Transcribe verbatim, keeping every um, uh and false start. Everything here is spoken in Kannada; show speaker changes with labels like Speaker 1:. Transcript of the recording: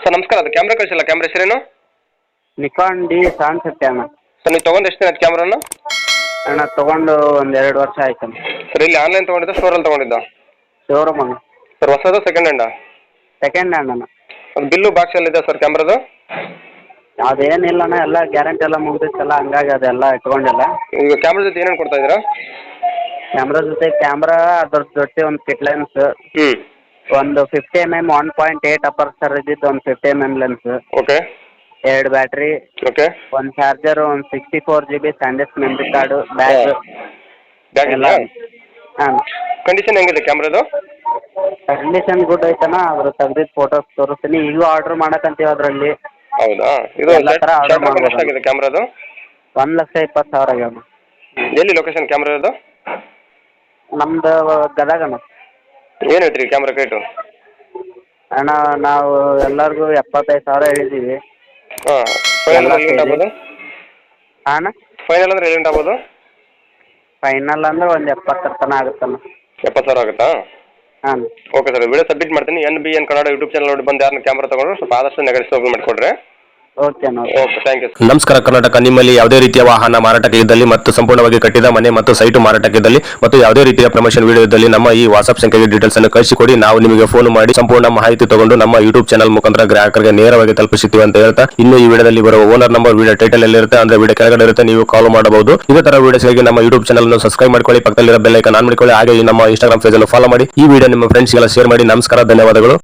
Speaker 1: ಸರ್ ನಮಸ್ಕಾರ, ಅದು ಕ್ಯಾಮ್ರಾ ಕಳಿಸಿಲ್ಲ, ಕ್ಯಾಮ್ರಾ ಹೆಸರೇನು?
Speaker 2: ನಿಕಾನ್ ಡಿ ಸೆವೆನ್ ಫಿಫ್ಟಿ ಅಣ್ಣ.
Speaker 1: ಸರ್ ನೀವು ತೊಗೊಂಡು ಎಷ್ಟು ದಿನ ಆಯ್ತು ಕ್ಯಾಮ್ರಾನ?
Speaker 2: ಅಣ್ಣ ತೊಗೊಂಡು ಒಂದು ಎರಡು ವರ್ಷ ಆಯ್ತು.
Speaker 1: ಸರ್ ಇಲ್ಲಿ ಆನ್ಲೈನ್ ತೊಗೊಂಡಿದ್ದ, ಸ್ಟೋರಲ್ಲಿ ತೊಗೊಂಡಿದ್ದ?
Speaker 2: ಶೋರೂಮ್ ಅಣ್ಣ.
Speaker 1: ಸರ್ ಹೊಸದು ಸೆಕೆಂಡ್ ಹ್ಯಾಂಡಾ?
Speaker 2: ಸೆಕೆಂಡ್ ಹ್ಯಾಂಡ್ ಅಣ್ಣ.
Speaker 1: ಅದು ಬಿಲ್ಲು ಬಾಕ್ಸ್ ಎಲ್ಲ ಇದೆ ಸರ್ ಕ್ಯಾಮ್ರಾದು?
Speaker 2: ಅದೇನಿಲ್ಲ ಅಣ್ಣ, ಎಲ್ಲ ಗ್ಯಾರಂಟಿ ಎಲ್ಲ ಮುಗಿದಿತ್ತಲ್ಲ, ಹಂಗಾಗಿ ಅದೆಲ್ಲ ಇಟ್ಕೊಂಡಿಲ್ಲ.
Speaker 1: ಈಗ ಕ್ಯಾಮ್ರಾ ಜೊತೆ ಏನೇನು ಕೊಡ್ತಾ ಇದ್ದೀರಾ?
Speaker 2: ಕ್ಯಾಮ್ರಾ ಜೊತೆ ಕ್ಯಾಮ್ರಾ, ಅದ್ರ ಜೊತೆ ಒಂದು ಕಿಟ್ ಲೆನ್ಸ್,
Speaker 1: ಹ್ಞೂ
Speaker 2: ಒಂದು fifty M M one point eight aperture ಇದ್ದಿದ್ದು ಒಂದು fifty M M lens,
Speaker 1: okay
Speaker 2: ಎರಡು ಬ್ಯಾಟ್ರಿ,
Speaker 1: ಓಕೆ
Speaker 2: ಒಂದು ಚಾರ್ಜರ್, ಒಂದು sixty four G B SanDisk memory card, bag
Speaker 1: bag
Speaker 2: ಎಲ್ಲ. ಹಾಂ,
Speaker 1: ಕಂಡೀಷನ್ ಹೆಂಗಿದೆ ಕ್ಯಾಮ್ರಾದು?
Speaker 2: Condition good ಐತಣ್ಣ. ಅದ್ರ ತೆಗ್ದಿದ್ದು ಫೋಟೋಸ್ ತೋರಿಸ್ತೀನಿ. ಈಗೂ ಆರ್ಡ್ರ್ ಮಾಡಕ್ಕಂತೀವಿ ಅದರಲ್ಲಿ.
Speaker 1: ಹೌದಾ? ಇದು
Speaker 2: ಎಲ್ಲ ಥರ ಆರ್ಡರ್
Speaker 1: ಶಟರ್
Speaker 2: ಮಾಡ್ಬೋದು.
Speaker 1: ಎಷ್ಟಾಗಿದೆ ಕ್ಯಾಮ್ರಾದು?
Speaker 2: ಒಂದು ಲಕ್ಷ ಇಪ್ಪತ್ತು ಸಾವಿರ ಆಗ್ಯಾವ.
Speaker 1: ಎಲ್ಲಿ ಲೊಕೇಶನ್ ಕ್ಯಾಮ್ರಾ ಇರೋದು?
Speaker 2: ನಮ್ದು ಗದಗ ಅಣ್ಣ.
Speaker 1: ಏನು ಹೇಳ್ತೀರಿ ಕ್ಯಾಮ್ರಾ ರೇಟು?
Speaker 2: ಅಣ್ಣ ನಾವು ಎಲ್ಲರಿಗೂ ಎಪ್ಪತ್ತೈದು ಸಾವಿರ ಹೇಳಿದ್ದೀವಿ.
Speaker 1: ಹಾಂ, ಫೈನಲ್ ಅಂದ್ರೆ ಎಲ್ಲಿಂದ ಆಗ್ಬೋದು?
Speaker 2: ಹಾಂ ಅಣ್ಣ,
Speaker 1: ಫೈನಲ್ ಅಂದ್ರೆ ಎಲ್ಲಿಂದ ಆಗ್ಬೋದು?
Speaker 2: ಫೈನಲ್ ಅಂದ್ರೆ ಒಂದು ಎಪ್ಪತ್ತರ ತನಕ ಆಗುತ್ತಣ್ಣ.
Speaker 1: ಎಪ್ಪತ್ತು ಸಾವಿರ ಆಗುತ್ತಾ?
Speaker 2: ಹಾಂ
Speaker 1: ಓಕೆ ಸರ್, ವಿಡಿಯೋ ಸಬ್ಮಿಟ್ ಮಾಡ್ತೀನಿ. N B N Kannada YouTube channel ನೋಡಿ ಬಂದು ಯಾರನ್ನ ಕ್ಯಾಮ್ರಾ ತೊಗೊಂಡ್ರು ಸ್ವಲ್ಪ ಆದಷ್ಟು ನೆಗೆಟಿವ್ ಮಾಡಿಕೊಡ್ರಿ.
Speaker 2: ಓಕೆ ಅಣ್ಣ.
Speaker 1: Okay, thank you.
Speaker 3: ನಮಸ್ಕಾರ ಕರ್ನಾಟಕ. ನಿಮ್ಮಲ್ಲಿ ಯಾವುದೇ ರೀತಿಯ ವಾಹನ ಮಾರಾಟಕ್ಕೆ ಇದ್ದಲ್ಲಿ ಮತ್ತು ಸಂಪೂರ್ಣವಾಗಿ ಕಟ್ಟಿದ ಮನೆ ಮತ್ತು ಸೈಟು ಮಾರಾಟಕ್ಕೆ ಇದ್ದಲ್ಲಿ ಮತ್ತು ಯಾವುದೇ ರೀತಿಯ ಪ್ರಮೋಷನ್ ವಿಡಿಯೋ ಇದ್ದಲ್ಲಿ ನಮ್ಮ ಈ ವಾಟ್ಸ್ಆಪ್ ಸಂಖ್ಯೆಗೆ ಡೀಟೇಲ್ಸ್ ಅನ್ನು ಕಳಿಸಿಕೊಡಿ. ನಾವು ನಿಮಗೆ ಫೋನ್ ಮಾಡಿ ಸಂಪೂರ್ಣ ಮಾಹಿತಿ ತಗೊಂಡು ನಮ್ಮ ಯೂಟ್ಯೂಬ್ ಚಾನಲ್ ಮುಖಾಂತರ ಗ್ರಾಹಕರಿಗೆ ನೇರವಾಗಿ ತಲುಪಿಸುತ್ತೀವಿ ಅಂತ ಹೇಳ್ತಾ, ಇನ್ನು ಈ ವಿಡಿಯೋದಲ್ಲಿ ಬರುವ ಓನರ್ ನಂಬರ್ ವಿಡಿಯೋ ಟೈಟಲ್ ಅಲ್ಲಿ ಇರುತ್ತೆ, ಅಂದ್ರೆ ವಿಡಿಯೋ ಕೆಳಗಡೆ ಇರುತ್ತೆ, ನೀವು ಕಾಲ್ ಮಾಡಬಹುದು. ಇದೇ ತರ ವಿಡಿಯೋಸ್ಗಾಗಿ ನಮ್ಮ ಯೂಟ್ಯೂಬ್ ಚಾನಲ್ ಅನ್ನು ಸಬ್ಸ್ಕ್ರೈಬ್ ಮಾಡ್ಕೊಳ್ಳಿ, ಪಕ್ಕದಲ್ಲಿರೋ ಬೆಲ್ ಐಕಾನ್ ಆನ್ ಮಾಡಿಕೊಳ್ಳಿ, ಹಾಗೆ ನಮ್ಮ ಇನ್ಸ್ಟಾಗ್ರಾಮ್ ಪೇಜ್ ಅನ್ನು ಫಾಲೋ ಮಾಡಿ. ಈ ವಿಡಿಯೋ ನಿಮ್ಮ ಫ್ರೆಂಡ್ಸ್ಗೆಲ್ಲ ಶೇರ್ ಮಾಡಿ. ನಮಸ್ಕಾರ, ಧನ್ಯವಾದಗಳು.